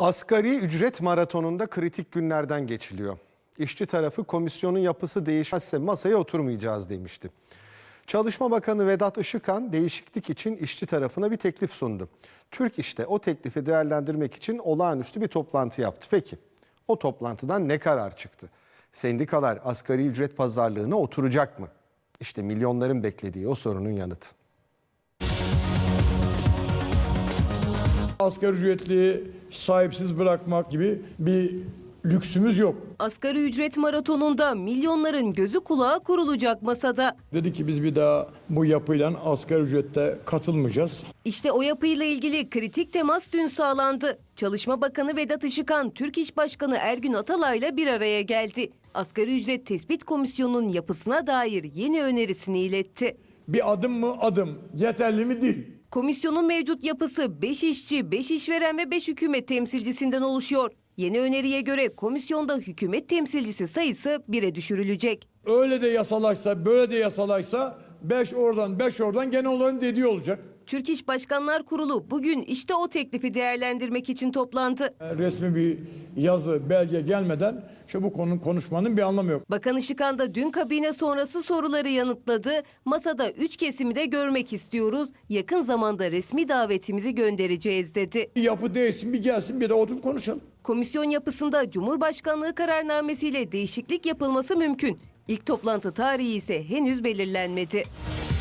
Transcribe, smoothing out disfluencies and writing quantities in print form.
Asgari ücret maratonunda kritik günlerden geçiliyor. İşçi tarafı komisyonun yapısı değişmezse masaya oturmayacağız demişti. Çalışma Bakanı Vedat Işıkhan değişiklik için işçi tarafına bir teklif sundu. Türk İş de o teklifi değerlendirmek için olağanüstü bir toplantı yaptı. Peki o toplantıdan ne karar çıktı? Sendikalar asgari ücret pazarlığına oturacak mı? İşte milyonların beklediği o sorunun yanıtı. Asgari ücretliyi sahipsiz bırakmak gibi bir lüksümüz yok. Asgari ücret maratonunda milyonların gözü kulağı kurulacak masada. Dedi ki biz bir daha bu yapıyla asgari ücrette katılmayacağız. İşte o yapıyla ilgili kritik temas dün sağlandı. Çalışma Bakanı Vedat Işıkhan, Türk İş Başkanı Ergün Atalay'la bir araya geldi. Asgari ücret tespit komisyonunun yapısına dair yeni önerisini iletti. Bir adım mı adım, yeterli mi değil. Komisyonun mevcut yapısı 5 işçi, 5 işveren ve 5 hükümet temsilcisinden oluşuyor. Yeni öneriye göre komisyonda hükümet temsilcisi sayısı 1'e düşürülecek. Öyle de yasalaşsa, böyle de yasalaşsa 5 oradan 5 oradan gene onların dediği olacak. Türk İş Başkanlar Kurulu bugün işte o teklifi değerlendirmek için toplandı. Resmi bir yazı, belge gelmeden bu konunun konuşmanın bir anlamı yok. Bakan Işıkhan da dün kabine sonrası soruları yanıtladı. Masada 3 kesimi de görmek istiyoruz. Yakın zamanda resmi davetimizi göndereceğiz dedi. Bir yapı değişsin, bir gelsin, bir de oturup konuşalım. Komisyon yapısında Cumhurbaşkanlığı kararnamesiyle değişiklik yapılması mümkün. İlk toplantı tarihi ise henüz belirlenmedi.